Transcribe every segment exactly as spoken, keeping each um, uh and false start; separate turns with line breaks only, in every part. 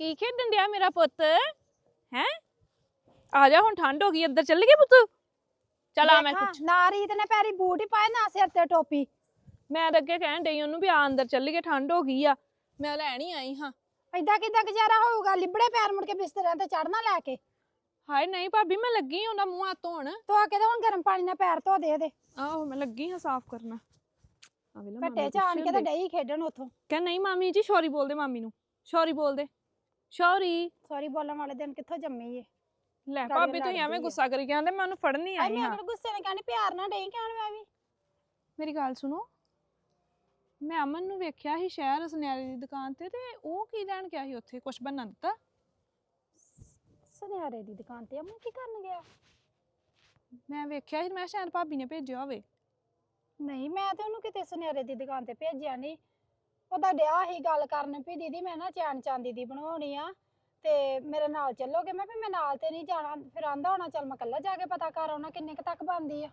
की खेडन दिया मेरा पुत है? आ जा हुण ठंड हो गई अंदर चल गए पुत चल आ मैं कुछ
ना रीत ने पैरी बूट ही पाए ना सिर ते टोपी
मैं तो अगे कहन डई ओनू भी आ अंदर चल गए ठंड हो गई आ मैं लैन ही आई हां
इदा किदा गुजारा होगा लिबड़े पैर मुड़ के बिस्तर ते चढ़ना लैके
हाय नहीं भाभी मैं लगी ओंदा मुंह हाथ धोण
धो के हुण गर्म पानी नाल पैर धो दे दे
आहो मैं लगी हां साफ करना
घट्टे च आन के ते डई खेडन उथों
कह नहीं मामी जी शौरी बोल दे मामी नू शौरी बोल दे शौरी
सॉरी बोलण वाले दिन कित्थों जम्मी ए
ਲੈ ਭਾਬੀ ਤੁਸੀਂ ਐਵੇਂ ਗੁੱਸਾ ਕਰੀ ਜਾਂਦੇ ਮੈਂ ਉਹਨੂੰ ਫੜਨ ਨਹੀਂ ਆਈ ਹਾਂ
ਮੈਂ ਗੁੱਸੇ ਨਾਲ ਕਹਿੰਦੀ ਪਿਆਰ ਨਾਲ ਡਈ ਕਹਿਣ ਮੈਂ ਵੀ
ਮੇਰੀ ਗੱਲ ਸੁਣੋ ਮੈਂ ਅਮਨ ਨੂੰ ਵੇਖਿਆ ਸੀ ਸ਼ਹਿਰ ਸੁਨਿਆਰੇ ਦੀ ਦੁਕਾਨ ਤੇ ਤੇ ਉਹ ਕੀ ਲੈਣ ਗਿਆ ਸੀ ਉੱਥੇ ਕੁਝ ਬੰਨਾ ਦਿੱਤਾ
ਸੁਨਿਆਰੇ ਦੀ ਦੁਕਾਨ ਤੇ ਅਮਨ ਕੀ ਕਰਨ ਗਿਆ
ਮੈਂ ਵੇਖਿਆ ਸੀ ਮੈਂ ਸ਼ਾਇਦ ਭਾਬੀ ਨੇ ਭੇਜਿਆ ਹੋਵੇ
ਨਹੀਂ ਮੈਂ ਤੇ ਉਹਨੂੰ ਕਿਤੇ ਸੁਨਿਆਰੇ ਦੀ ਦੁਕਾਨ ਤੇ ਭੇਜਿਆ ਨਹੀਂ ਉਹਦਾ ਡਿਆ ਹੀ ਗੱਲ ਕਰਨ ਵੀ ਦੀਦੀ ਮੈਂ ਨਾ ਚੈਨ ਚਾਂਦੀ ਦੀ ਬਣਾਉਣੀ ਆ ਤੇ ਮੇਰੇ ਨਾਲ ਚੱਲੋਗੇ ਮੈਂ ਵੀ ਮੈਂ ਨਾਲ ਤੇ ਨਹੀਂ ਜਾਣਾ ਫਿਰ ਆਂਦਾ ਹੋਣਾ ਚੱਲ ਮੈਂ ਇਕੱਲਾ ਜਾ ਕੇ ਪਤਾ ਕਰ ਆਉਣਾ ਕਿੰਨੇ ਕ ਤੱਕ ਬਣਦੀ ਆ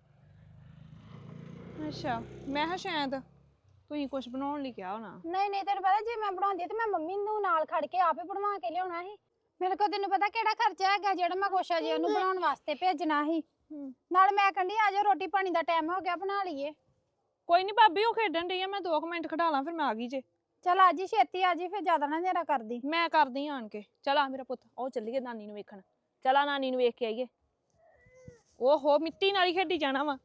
ਅੱਛਾ ਮੈਂ ਹਾਂ ਸ਼ਾਇਦ ਤੁਸੀਂ ਕੁਝ ਬਣਾਉਣ ਲਈ ਕਿਹਾ ਹੋਣਾ
ਨਹੀਂ ਨਹੀਂ ਤੈਨੂੰ ਪਤਾ ਜੇ ਮੈਂ ਬਣਾਉਂਦੀ ਤੇ ਮੈਂ ਮੰਮੀ ਨੂੰ ਨਾਲ ਖੜ ਕੇ ਆਪੇ ਬਣਵਾ ਕੇ ਲਿਆਉਣਾ ਸੀ ਮੇਰੇ ਕੋਲ ਤੈਨੂੰ ਪਤਾ ਕਿਹੜਾ ਖਰਚਾ ਹੈਗਾ ਜਿਹੜਾ ਮੈਂ ਕੋਸ਼ਾ ਜੀ ਉਹਨੂੰ ਬਣਾਉਣ ਵਾਸਤੇ ਭੇਜਣਾ ਸੀ ਨਾਲ ਮੈਂ ਕਹਿੰਦੀ ਆ ਜਾ ਰੋਟੀ ਪਾਣੀ ਦਾ ਟਾਈਮ ਹੋ ਗਿਆ ਬਣਾ ਲਈਏ
ਕੋਈ ਨਹੀਂ ਭਾਬੀ ਉਹ ਖੇਡਣ ਡਈ ਆ ਮੈਂ ਦੋ ਮਿੰਟ ਖੜਾ ਲਾਂ ਫਿਰ ਮੈਂ ਆ ਗਈ ਜੇ
चल आजी छेती आजी फिर ज्यादा ना नेरा कर दी
मैं कर दी आन के चल आ मेरा पुत ओ चलिए नानी नु वेखण चला नानी नु वेख के आइए ओहो मिट्टी नाल खेडी जाना वा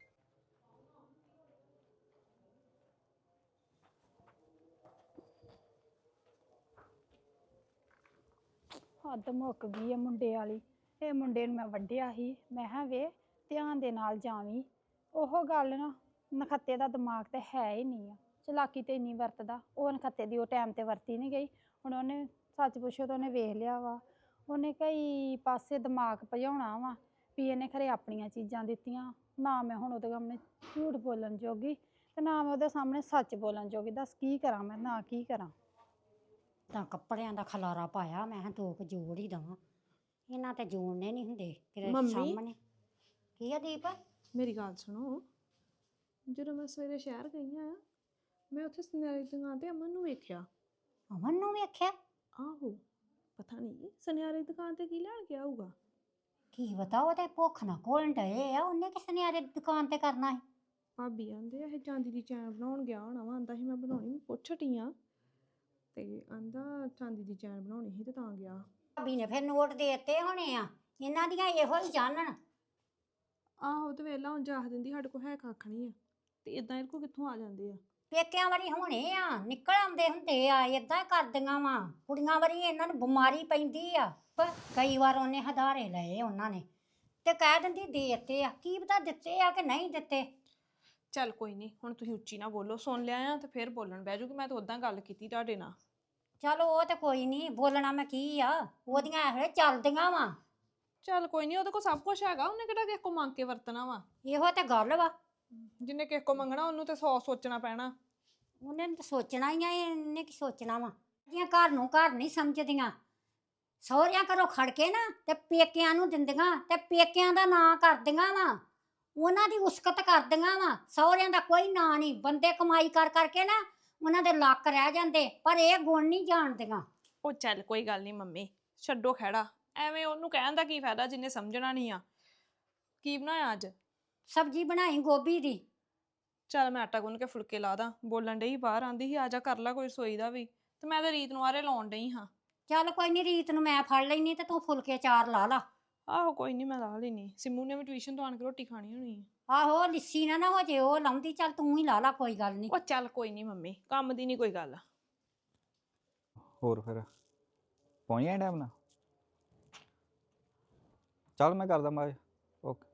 हद मुक गई है मुंडे वाली ये मुंडे नु मैं वड्डिया ही मैं हां वे ध्यान दे नाल जावी ओहो गल ना नखत्ते दा दिमाग ते है ही नहीं है चलाकी तो इन्नी वरतदा वो नखत्ते दी टाइम ते वरती नहीं गई हुण उन्हें सच पुछो तो उन्हें वेख लिया वा उन्हें कई पासे दिमाग भजाउणा वा भी इन्हें खरे अपनियां चीज़ां दित्तियां ना मैं हुण उहदे सामने झूठ बोलन जोगी ते ना मैं उहदे सामने सच बोलन जोगी दस की करां मैं ना की करां
ਤਾਂ ਕੱਪੜਿਆਂ ਦਾ ਖਲਾਰਾ ਪਾਇਆ ਮੈਂ ਹਾਂ ਦੋ ਕੁ ਜੋੜ ਹੀ ਦਵਾਂ ਇਹਨਾਂ ਤੇ ਜੋੜਨੇ ਨਹੀਂ ਹੁੰਦੇ ਤੇਰੇ ਸਾਹਮਣੇ ਕੀ ਆ ਦੀਪ
ਮੇਰੀ ਗੱਲ ਸੁਣੋ ਜਦੋਂ ਮੈਂ ਸਵੇਰੇ ਸ਼ਹਿਰ ਗਈ ਆ ਮੈਂ ਉੱਥੇ ਸੁਨਿਆਰੇ ਦੀ ਦੁਕਾਨ ਤੇ ਅਮਨ ਨੂੰ ਵੇਖਿਆ
ਅਮਨ ਨੂੰ ਵੇਖਿਆ
ਆਹੋ ਪਤਾ ਨਹੀਂ ਸੁਨਿਆਰੇ ਦੀ ਦੁਕਾਨ ਤੇ ਕੀ ਲੈਣ ਗਿਆ ਹੋਊਗਾ
ਕੀ ਪਤਾ ਉਹ ਤੇ ਭੁੱਖ ਨਾ ਕੋਲਣ ਡਏ ਆ ਉਹਨੇ ਕਿ ਸੁਨਿਆਰੇ ਦੀ ਦੁਕਾਨ ਤੇ ਕਰਨਾ ਹੈ
ਭਾਬੀ ਆਂਦੇ ਇਹ ਚਾਂਦੀ ਦੀ ਚੈਨ ਬਣਾਉਣ ਗਿਆ ਹੋਣਾ ਵਾ ਆਂਦਾ ਸੀ ਮੈਂ ਬਣਾਉਣੀ ਮੈਂ ਪੁੱਛ ਹਟੀ ਆ ਤੇ ਆਂਦਾ ਚਾਂਦੀ ਦੀ ਚੈਨ ਬਣਾਉਣੀ ਸੀ ਤੇ ਤਾਂ ਗਿਆ
ਭਾਬੀ ਨੇ ਫਿਰ ਨੋਟ ਦੇ ਦਿੱਤੇ ਹੋਣੇ ਆ ਇਹਨਾਂ ਦੀਆਂ ਇਹੋ ਹੀ ਜਾਣਨ
ਆਹੋ ਤੇ ਵੇਲਾ ਹੁਣ ਜਾਹ ਦਿੰਦੀ ਸਾਡੇ ਕੋਲ ਹੈ ਕੱਖ ਨਹੀਂ ਆ ਤੇ ਇਦਾਂ ਇਹਦੇ ਕੋਲ ਕਿੱਥੋਂ ਆ ਜਾਂਦੇ ਆ
ਪੇਕਿਆਂ ਵਾਰੀ ਹੋਣੇ ਆ ਨਿਕਲ ਆਉਂਦੇ ਹੁੰਦੇ ਆ ਏਦਾਂ ਕਰਦੀਆਂ ਵਾ ਕੁੜੀਆਂ ਵਾਰੀ ਇਹਨਾਂ ਨੂੰ ਬਿਮਾਰੀ ਪੈਂਦੀ ਆ ਪਰ ਕਈ ਵਾਰ ਉਹਨੇ ਹਦਾਰੇ ਲਏ ਉਹਨਾਂ ਨੇ ਤੇ ਕਹਿ ਦਿੰਦੀ ਦੇ ਦਿੱਤੇ ਆ ਕੀ ਪਤਾ ਦਿੱਤੇ ਆ ਕਿ ਨਹੀਂ ਦਿੱਤੇ
ਚੱਲ ਕੋਈ ਨਹੀਂ ਹੁਣ ਤੁਸੀਂ ਉੱਚੀ ਨਾ ਬੋਲੋ ਸੁਣ ਲਿਆ ਆ ਤੇ ਫਿਰ ਬੋਲਣ ਬਹਿ ਜੂਗੀ ਮੈਂ ਤਾਂ ਉਦਾਂ ਗੱਲ ਕੀਤੀ ਤੁਹਾਡੇ ਨਾਲ
ਚਲੋ ਉਹ ਤੇ ਕੋਈ ਨਹੀਂ ਬੋਲਣਾ ਮੈਂ ਕੀ ਆ ਉਹਦੀਆਂ ਇਹੋ ਚੱਲਦੀਆਂ ਵਾ
ਚੱਲ ਕੋਈ ਨਹੀਂ ਉਹਦੇ ਕੋਲ ਸਭ ਕੁਝ ਹੈਗਾ ਉਹਨੇ ਕਿਹੜਾ ਕਿਸੇ ਕੋ ਮੰਗ ਕੇ ਵਰਤਣਾ ਵਾ
ਇਹੋ ਤੇ ਗੱਲ ਵਾ
ਜਿੰਨੇ ਕਿਸੇ ਕੋ ਮੰਗਣਾ ਉਹਨੂੰ ਤੇ ਸੌ ਸੋਚਣਾ ਪੈਣਾ
ਉਹਨੇ ਤਾਂ ਸੋਚਣਾ ਹੀ ਆ ਇਹਨੇ ਕੀ ਸੋਚਣਾ ਵਾ ਜਿਹੜੀਆਂ ਘਰ ਨੂੰ ਘਰ ਨਹੀਂ ਸਮਝਦੀਆਂ ਸਹੁਰਿਆਂ ਘਰੋਂ ਖੜ ਕੇ ਨਾ ਤੇ ਪੇਕਿਆਂ ਨੂੰ ਦਿੰਦੀਆਂ ਤੇ ਪੇਕਿਆਂ ਦਾ ਨਾਂ ਕਰਦੀਆਂ ਵਾ ਉਹਨਾਂ ਦੀ ਉਸਕਤ ਕਰਦੀਆਂ ਵਾ ਸਹੁਰਿਆਂ ਦਾ ਕੋਈ ਨਾਂ ਨਹੀਂ ਬੰਦੇ ਕਮਾਈ ਕਰ ਕਰਕੇ ਨਾ ਉਹਨਾਂ ਦੇ ਲੱਕ ਰਹਿ ਜਾਂਦੇ ਪਰ ਇਹ ਗੁਣ ਨਹੀਂ ਜਾਣਦੀਆਂ
ਉਹ ਚੱਲ ਕੋਈ ਗੱਲ ਨਹੀਂ ਮੰਮੀ ਛੱਡੋ ਖਹਿੜਾ ਐਵੇਂ ਉਹਨੂੰ ਕਹਿਣ ਦਾ ਕੀ ਫਾਇਦਾ ਜਿੰਨੇ ਸਮਝਣਾ ਨਹੀਂ ਆ ਕੀ ਬਣਾਇਆ ਅੱਜ
ਸਬਜ਼ੀ ਬਣਾਈ ਗੋਭੀ ਦੀ
ਚੱਲ ਮੈਂ ਆਟਾ ਗੁੰਨ ਕੇ ਫੁਲਕੇ ਲਾ ਦਾਂ ਬੋਲਣ ਡਈ ਬਾਹਰ ਆਂਦੀ ਸੀ ਆ ਜਾ ਕਰ ਲੈ ਕੋਈ ਰਸੋਈ ਦਾ ਵੀ ਤੇ ਮੈਂ ਤਾਂ ਰੀਤ ਨੂੰ ਆਰੇ ਲਾਉਣ ਡਈ ਹਾਂ
ਚੱਲ ਕੋਈ ਨਹੀਂ ਰੀਤ ਨੂੰ ਮੈਂ ਫੜ ਲੈਣੀ ਤੇ ਤੂੰ ਫੁਲਕੇ ਚਾਰ ਲਾ ਲਾ
ਆਹੋ ਕੋਈ ਨਹੀਂ ਮੈਂ ਲਾ ਲੈਣੀ ਸਿੰਮੂ ਨੇ ਵੀ ਟਿਊਸ਼ਨ ਤੋਂ ਆਣ ਕੇ ਰੋਟੀ ਖਾਣੀ ਹੋਣੀ
ਆਹੋ ਲਿੱਸੀ ਨਾ ਨਾ ਹੋ ਜੇ ਉਹ ਲਾਉਂਦੀ ਚੱਲ ਤੂੰ ਹੀ ਲਾ ਲਾ ਕੋਈ ਗੱਲ ਨਹੀਂ
ਉਹ ਚੱਲ ਕੋਈ ਨਹੀਂ ਮੰਮੀ ਕੰਮ ਦੀ ਨਹੀਂ ਕੋਈ ਗੱਲ
ਹੋਰ ਫਿਰ ਪਹੁੰਚ ਗਿਆ ਟਾਈਮ ਨਾਲ ਚੱਲ ਮੈਂ ਕਰਦਾ ਮੈਂ ਓਕੇ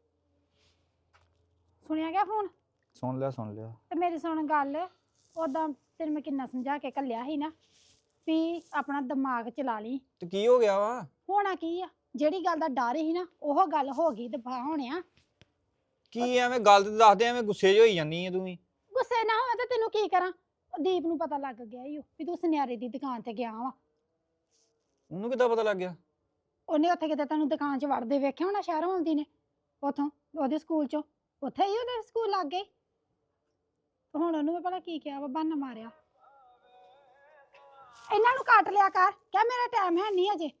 सुनिया क्या फोन
ਸੁਣ ਲਿਆ ਸੁਣ ਲਿਆ
ਤੇ ਮੇਰੀ ਸੁਣ ਗੱਲ ਉਦਾਂ ਤੈਨੂੰ ਮੈਂ ਕਿੰਨਾ ਸਮਝਾ ਕੇ ਕੱਲਿਆ ਸੀ ਨਾ ਵੀ ਆਪਣਾ ਦਿਮਾਗ ਚਲਾ ਲਈ
ਤੇ ਕੀ ਹੋ ਗਿਆ ਵਾ
ਹੋਣਾ ਕੀ ਆ ਜਿਹੜੀ ਗੱਲ ਦਾ ਡਰ ਸੀ ਨਾ ਉਹ ਗੱਲ ਹੋ ਗਈ ਦਫਾ ਹੋਣਿਆ
ਕੀ ਐਵੇਂ ਗੱਲ ਤੇ ਦੱਸਦੇ ਐਵੇਂ ਗੁੱਸੇ 'ਚ ਹੋਈ ਜਾਂਦੀ ਐ ਤੂੰ ਵੀ
ਗੁੱਸੇ ਨਾ ਹੋਵੇ ਤੇ ਤੈਨੂੰ ਕੀ ਕਰਾਂ ਉਹ ਦੀਪ ਨੂੰ ਪਤਾ ਲੱਗ ਗਿਆ ਈ ਓ ਵੀ ਤੂੰ ਸੁਨਿਆਰੇ ਦੀ ਦੁਕਾਨ ਤੇ ਗਿਆ ਵਾ
ਉਹਨੂੰ ਕਿੱਦਾਂ ਪਤਾ ਲੱਗ ਗਿਆ
ਉਹਨੇ ਉੱਥੇ ਕਿਤੇ ਤੈਨੂੰ ਦੁਕਾਨ 'ਚ ਵੜਦੇ ਵੇਖਿਆ ਹੋਣਾ ਸ਼ਹਿਰੋਂ ਆਉਂਦੀ ਨੇ ਉਥੋਂ ਉਹਦੇ ਸਕੂਲ 'ਚੋਂ ਉੱਥੇ ਹੀ ਉਹਦੇ ਸਕੂਲ ਲੱਗ ਗਏ ਹੁਣ ਉਹਨੂੰ ਮੈਂ ਭਲਾ ਕੀ ਕਿਹਾ ਵਾ ਬਹਾਨਾ ਮਾਰਿਆ ਇਹਨਾਂ ਨੂੰ ਕੱਟ ਲਿਆ ਕਰ ਕਹਿ ਮੇਰਾ ਟਾਈਮ ਹੈ ਨਹੀਂ ਅਜੇ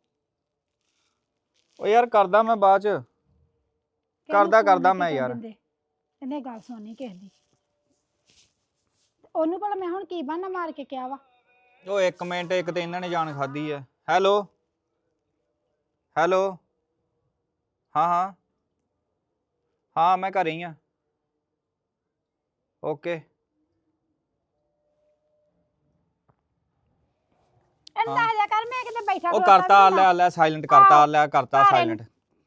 ਓ ਯਾਰ ਕਰਦਾ ਮੈਂ ਬਾਅਦ ਚ ਕਰਦਾ ਕਰਦਾ ਮੈਂ ਯਾਰ
ਇਹਨੇ ਗੱਲ ਸੁਣਨੀ ਕਿਸੇ ਦੀ ਉਹਨੂੰ ਭਲਾ ਮੈਂ ਹੁਣ ਕੀ ਬਹਾਨਾ ਮਾਰ ਕੇ ਕਿਹਾ ਵਾ
ਓ ਇੱਕ ਮਿੰਟ ਇੱਕ ਤੇ ਇਹਨਾਂ ਨੇ ਜਾਨ ਖਾਦੀ ਆ ਹੈਲੋ ਹੈਲੋ ਹਾਂ ਹਾਂ ਹਾਂ ਮੈਂ ਘਰੇ ਹੀ ਆ ਓਕੇ
ਇਹਨੂੰ ਦੱਸ ਦਿਆ ਕਰ ਮੈਂ ਕਿਤੇ ਬੈਠਾ
ਉਹ
ਖਲੋਤਾ
ਕਰਤਾ
ਵੀ
ਲੈ ਲੈ ਸਾਇਲੈਂਟ ਕਰਤਾ
ਆਹੋ,
ਲੈ ਕਰਤਾ
ਘਰ
ਸਾਇਲੈਂਟ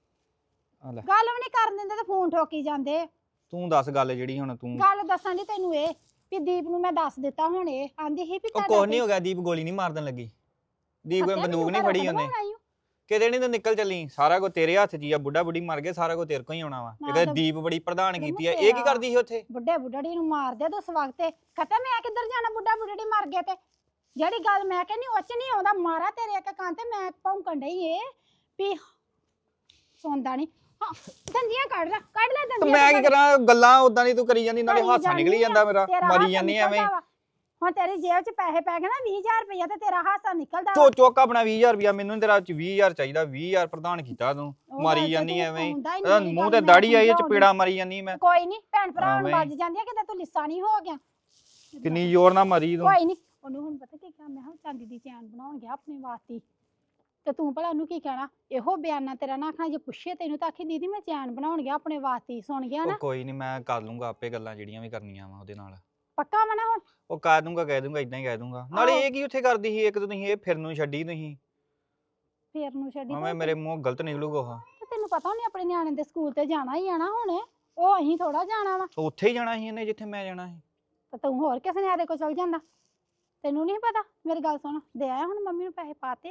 ਆ ਲੈ
ਗੱਲ ਵੀ ਨਹੀਂ ਕਰਨ ਦਿੰਦੇ ਤੇ ਫੋਨ ਠੋਕੀ ਜਾਂਦੇ
ਤੂੰ ਦੱਸ ਗੱਲ ਜਿਹੜੀ ਹੁਣ ਤੂੰ
ਗੱਲ ਦੱਸਾਂ ਦੀ ਤੈਨੂੰ ਇਹ ਵੀ ਦੀਪ ਨੂੰ ਮੈਂ ਦੱਸ ਦਿੱਤਾ ਹੁਣ ਇਹ ਆਂਦੀ ਸੀ ਵੀ
ਉਹ ਕੁਛ ਨਹੀਂ ਹੋ ਗਿਆ ਦੀਪ ਗੋਲੀ ਨਹੀਂ ਮਾਰਨ ਲੱਗੀ ਦੀਪ ਕੋਈ ਬੰਦੂਕ ਨਹੀਂ ਫੜੀ ਉਹਨੇ ਕਿਤੇ ਨਹੀਂ ਤੂੰ ਨਿਕਲ ਚੱਲੀ ਸਾਰਾ ਕੋ ਤੇਰੇ ਹੱਥ 'ਚ ਹੀ ਆ ਬੁੱਢਾ ਬੁੱਢੀ ਮਰ ਗਏ ਸਾਰਾ ਕੋ ਤੇਰੇ ਕੋ ਹੀ ਆਉਣਾ ਵਾ ਇਹ ਕਹਿੰਦੇ ਦੀਪ ਬੜੀ ਪ੍ਰਧਾਨ ਕੀਤੀ ਆ ਇਹ ਕੀ ਕਰਦੀ ਸੀ ਉੱਥੇ
ਬੁੱਢੇ ਬੁੱਢੜੀ ਨੂੰ ਮਾਰਦੇ ਦੋ ਸਵਗ ਤੇ ਖਤਮ ਮੈਂ ਕਿੱਧਰ ਜਾਣਾ ਬੁੱਢਾ ਬੁੱਢੜੀ ਮਰ ਗਏ ਤੇ ਜਿਹੜੀ ਗੱਲ ਮੈਂ ਕਹਿੰਦੀ ਉੱਚ ਨਹੀਂ ਆਉਂਦਾ ਮਾਰਾ ਤੇਰੇ ਇੱਕ ਕੰਨ ਤੇ ਮੈਂ ਭੌਂਕਣ ਡਈ ਏ ਵੀ ਸੌਂਦਾ ਨਹੀਂ ਹਾਂ ਦੰਦੀਆਂ ਕੱਢ ਲੈ ਕੱਢ ਲੈ
ਤੇ
ਦੰਦੀਆਂ
ਮੈਂ ਕੀ ਕਰਾਂ ਗੱਲਾਂ ਉਦਾਂ ਦੀ ਤੂੰ ਕਰੀ ਜਾਂਦੀ ਨਾਲੇ ਹਾਸਾ ਨਿਕਲੀ ਜਾਂਦਾ ਮੇਰਾ ਮਰੀ ਜਾਂਦੀ ਐਵੇਂ
ਹੁਣ ਤੇਰੀ ਜੇਬ 'ਚ ਪੈਸੇ ਪੈ ਗਏ ਨਾ ਵੀਹ ਹਜ਼ਾਰ ਰੁਪਇਆ ਤੇ ਤੇਰਾ ਹਾਸਾ ਨਿਕਲਦਾ
ਚੋ ਚੁੱਕ ਆਪਣਾ ਵੀਹ ਹਜ਼ਾਰ ਰੁਪਇਆ ਮੈਨੂੰ ਤੇਰਾ ਵੀਹ ਹਜ਼ਾਰ ਚਾਹੀਦਾ ਵੀਹ ਹਜ਼ਾਰ ਪ੍ਰਧਾਨ ਕੀਤਾ ਤੂੰ ਮਾਰੀ ਜਾਂਦੀ ਐਵੇਂ ਮੂੰਹ ਤੇ ਦਾੜੀ ਆਈ ਚਪੇੜਾ ਮਾਰੀ ਜਾਂਦੀ ਮੈਂ
ਕੋਈ ਨਹੀਂ ਭੈਣ ਭਰਾ ਨੂੰ ਵੱਜ ਜਾਂਦੀ ਆ ਕਿਤੇ ਤੂੰ ਲਿੱਸਾ ਨਹੀਂ ਹੋ ਗਿਆ
ਕਿੰਨੀ ਜ਼ੋਰ ਨਾਲ ਮਰੀ ਤੂੰ
ਕੋਈ ਨਹੀਂ ਉਹਨੂੰ ਹੁਣ ਪਤਾ ਕੀ ਕਿਹਾ ਮੈਂ ਹਾਂ ਚਾਂਦੀ ਦੀ ਚੈਨ ਬਣਾਉਣ ਗਿਆ ਆਪਣੇ ਵਾਸਤੇ ਤੇ ਤੂੰ ਭਲਾ ਉਹਨੂੰ ਕੀ ਕਹਿਣਾ ਇਹੋ ਬਿਆਨਾ ਤੇਰਾ ਨਾ ਆਖਣਾ ਜੇ ਪੁੱਛੇ ਤੈਨੂੰ ਤਾਂ ਆਖੀ ਦੀਦੀ ਮੈਂ ਚੈਨ ਬਣਾਉਣ ਗਿਆ ਆਪਣੇ ਵਾਸਤੇ ਸੁਣ ਗਿਆ ਨਾ
ਕੋਈ ਨਹੀਂ ਮੈਂ ਕਰ ਲੂੰਗਾ ਆਪੇ ਗੱਲਾਂ ਜਿਹੜੀਆਂ ਵੀ ਕਰਨੀਆਂ ਵਾ ਉਹਦੇ ਨਾਲ
ਪੱਕਾ ਵਾ ਨਾ ਹੁਣ
ਉਹ ਕਹਿ ਦੂੰਗਾ ਕਹਿ ਦੂੰਗਾ ਇਦਾਂ ਹੀ ਕਹਿ ਦੂੰਗਾ ਨਾਲੇ ਇਹ ਕੀ ਉੱਥੇ ਕਰਦੀ ਸੀ ਇੱਕ ਤਾਂ ਤੁਸੀਂ ਇਹ ਫਿਰ ਨੂੰ ਛੱਡੀ ਤੁਸੀਂ
ਫੇਰ ਨੂੰ ਛੱਡੀ
ਮੈਂ ਮੇਰੇ ਮੂੰਹ ਗਲਤ ਨਿਕਲੂਗਾ ਉਹ
ਤੇ ਤੈਨੂੰ ਪਤਾ ਉਹਨੇ ਆਪਣੇ ਨਿਆਣੇ ਦੇ ਸਕੂਲ ਤੇ ਜਾਣਾ ਹੀ ਆਣਾ ਹੁਣ ਉਹ ਅਸੀਂ ਥੋੜਾ ਜਾਣਾ ਵਾ
ਉੱਥੇ ਹੀ ਜਾਣਾ ਸੀ ਇਹਨੇ ਜਿੱਥੇ ਮੈਂ ਜਾਣਾ ਸੀ
ਤੇ ਤੂੰ ਹੋਰ ਕਿਸੇ ਨਿਆਣੇ ਕੋਲ ਚਲ ਜਾਂਦਾ ਤੈਨੂੰ ਨਹੀਂ ਪਤਾ ਮੇਰੀ ਗੱਲ ਸੁਣ ਦੇ ਆਇਆ ਹੁਣ ਮੰਮੀ ਨੂੰ ਪੈਸੇ ਪਾਤੇ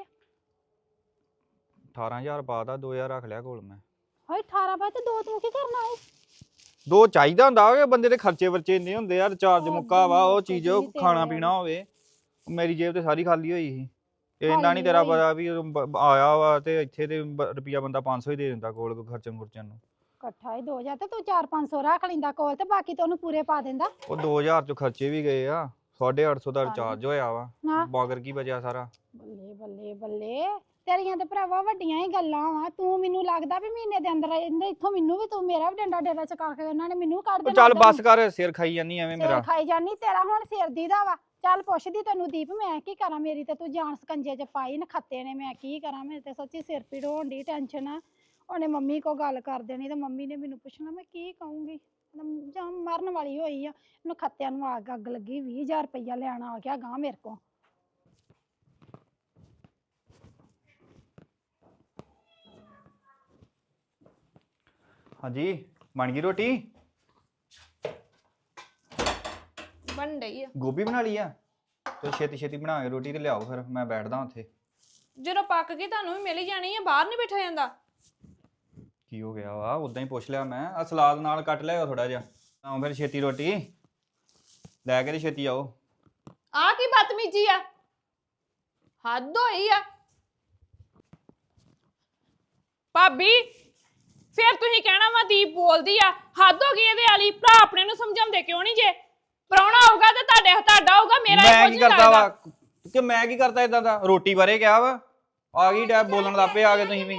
ਅਠਾਰਾਂ ਹਜ਼ਾਰ ਪਾਤਾ ਦੋ ਹਜ਼ਾਰ ਰੱਖ ਲਿਆ ਕੋਲ ਮੈਂ
ਹਾਏ ਅਠਾਰਾਂ ਪਾ ਤੇ ਦੋ ਤੂੰ ਕੀ ਕਰਨਾ ਹੈ
ਦੋ ਚਾਹੀਦਾ ਹੁੰਦਾ ਕਿ ਬੰਦੇ ਦੇ ਖਰਚੇ ਵਰਚੇ ਇੰਨੇ ਹੁੰਦੇ ਆ ਰਿਚਾਰਜ ਮੁੱਕਾ ਵਾ ਉਹ ਚੀਜ਼ ਉਹ ਖਾਣਾ ਪੀਣਾ ਹੋਵੇ ਮੇਰੀ ਜੇਬ ਤੇ ਸਾਰੀ ਖਾਲੀ ਹੋਈ ਸੀ ਇੰਨਾ ਨਹੀਂ ਤੇਰਾ ਪਤਾ ਵੀ ਆਇਆ ਵਾ ਤੇ ਇੱਥੇ ਤੇ ਰੁਪਿਆ ਬੰਦਾ ਪੰਜ ਸੌ ਹੀ ਦੇ ਦਿੰਦਾ ਕੋਲ ਖਰਚਣ ਖੁਰਚਣ ਨੂੰ
ਇਕੱਠਾ ਹੀ ਦੋ ਹਜ਼ਾਰ ਤੇ ਤੂੰ ਚਾਰ ਪੰਜ ਸੌ ਰੱਖ ਲੈਂਦਾ ਕੋਲ ਤੇ ਬਾਕੀ ਤੇ ਉਹਨੂੰ ਪੂਰੇ ਪਾ ਦਿੰਦਾ
ਉਹ ਦੋ ਹਜ਼ਾਰ ਚ ਖਰਚੇ ਵੀ ਗਏ ਆ ਸਾਢੇ ਅੱਠ ਸੌ ਦਾ ਰਿਚਾਰਜ ਹੋਇਆ ਵਾ ਬਾਗਰ ਕੀ ਬਚਿਆ ਸਾਰਾ
ਬੱਲੇ ਬੱਲੇ ਬੱਲੇ ਤੇਰੀਆਂ ਤੇ ਭਰਾਵਾ ਵੱਡੀਆਂ ਹੀ ਗੱਲਾਂ ਵਾ ਤੂੰ ਮੈਨੂੰ ਲੱਗਦਾ ਵੀ ਮਹੀਨੇ ਦੇ ਅੰਦਰ ਇਹਦੇ ਇੱਥੋਂ ਮੈਨੂੰ ਵੀ ਤੂੰ ਮੇਰਾ ਵੀ ਡੰਡਾ ਡੇਰਾ ਚਕਾ ਕੇ ਉਹਨਾਂ ਨੇ ਮੈਨੂੰ ਕੱਢ ਦੇਣਾ
ਚੱਲ ਬੱਸ ਕਰ ਸਿਰ ਖਾਈ ਜਾਨੀ ਐਵੇਂ ਮੇਰਾ
ਸਿਰ ਖਾਈ ਜਾਨੀ ਤੇਰਾ ਹੁਣ ਸਿਰ ਦੀ ਦਾ ਵਾ ਚੱਲ ਪੁੱਛਦੀ ਤੈਨੂੰ ਦੀਪ ਮੈਂ ਕੀ ਕਰਾਂ ਮੇਰੀ ਤੇ ਤੂੰ ਜਾਨ ਸਕੰਜੇ 'ਚ ਪਾਈ ਨਖੱਤੇ ਨੇ ਮੈਂ ਕੀ ਕਰਾਂ ਮੇਰੇ ਤੇ ਸੱਚੀ ਸਿਰ ਪੀੜ ਹੋਣ ਦੀ ਟੈਨਸ਼ਨ ਆ ਉਹਨੇ ਮੰਮੀ ਕੋ ਗੱਲ ਕਰ ਦੇਣੀ ਤੇ ਮੰਮੀ ਨੇ ਮੈਨੂੰ ਪੁੱਛਣਾ ਮੈਂ ਕੀ ਕਹੂੰਗੀ ਜਾਂ ਮਰਨ ਵਾਲੀ ਹੋਈ ਆ ਇਹਨੂੰ ਖੱਤਿਆਂ ਨੂੰ ਅੱਗ ਅੱਗ ਲੱਗੀ ਵੀਹ ਹਜ਼ਾਰ ਰੁਪਈਆ ਲੈਣ ਆ ਗਿਆ ਗਾਂ ਮੇਰੇ ਕੋ
ਹਾਂਜੀ ਬਣ ਗਈ ਰੋਟੀ
ਬਣ ਰਹੀ ਆ
ਗੋਭੀ ਬਣਾ ਲਈ ਆ ਤੇ ਛੇਤੀ ਛੇਤੀ ਬਣਾ ਕੇ ਰੋਟੀ ਤੇ ਲਿਆਓ ਫਿਰ ਮੈਂ ਬੈਠਦਾ ਉੱਥੇ
ਜਦੋਂ ਪੱਕ ਗਈ ਤੁਹਾਨੂੰ ਵੀ ਮਿਲ ਹੀ ਜਾਣੀ ਆ ਬਾਹਰ ਨਹੀਂ ਬੈਠਾ ਜਾਂਦਾ
ਕੀ ਹੋ ਗਿਆ ਵਾ ਉਦਾਂ ਹੀ ਪੁੱਛ ਲਿਆ ਮੈਂ ਆ ਸਲਾਦ ਨਾਲ ਕੱਟ ਲਿਆਓ ਥੋੜਾ ਜਿਹਾ ਆਓ ਫਿਰ ਛੇਤੀ ਰੋਟੀ ਲੈ ਕੇ ਤੇ ਛੇਤੀ ਆਓ
ਆ ਕੀ ਬਦਤਮੀਜੀ ਆ ਹੱਦ ਹੋਈ ਆ ਭਾਬੀ ਫਿਰ ਤੁਸੀਂ ਕਹਿਣਾ ਵਾ ਦੀਪ ਬੋਲਦੀ ਆ ਹੱਦ ਹੋ ਗਈ ਇਹਦੇ ਵਾਲੀ ਭਰਾ ਆਪਣੇ ਨੂੰ ਸਮਝਾਉਂਦੇ ਕਿਉਂ ਨਹੀਂ ਜੇ ਪ੍ਰਾਹੁਣਾ ਆਊਗਾ ਤੇ ਤੁਹਾਡੇ ਤੁਹਾਡਾ ਹੋਊਗਾ ਮੇਰਾ
ਮੈਂ ਕੀ ਕਰਦਾ ਵਾ ਕਿ ਮੈਂ ਕੀ ਕਰਦਾ ਇਦਾਂ ਦਾ ਰੋਟੀ ਬਾਰੇ ਕਿਹਾ ਵਾ ਆ ਗਈ ਡੈ ਬੋਲਣ ਲੱਪੇ ਆ ਗਏ ਤੁਸੀਂ ਵੀ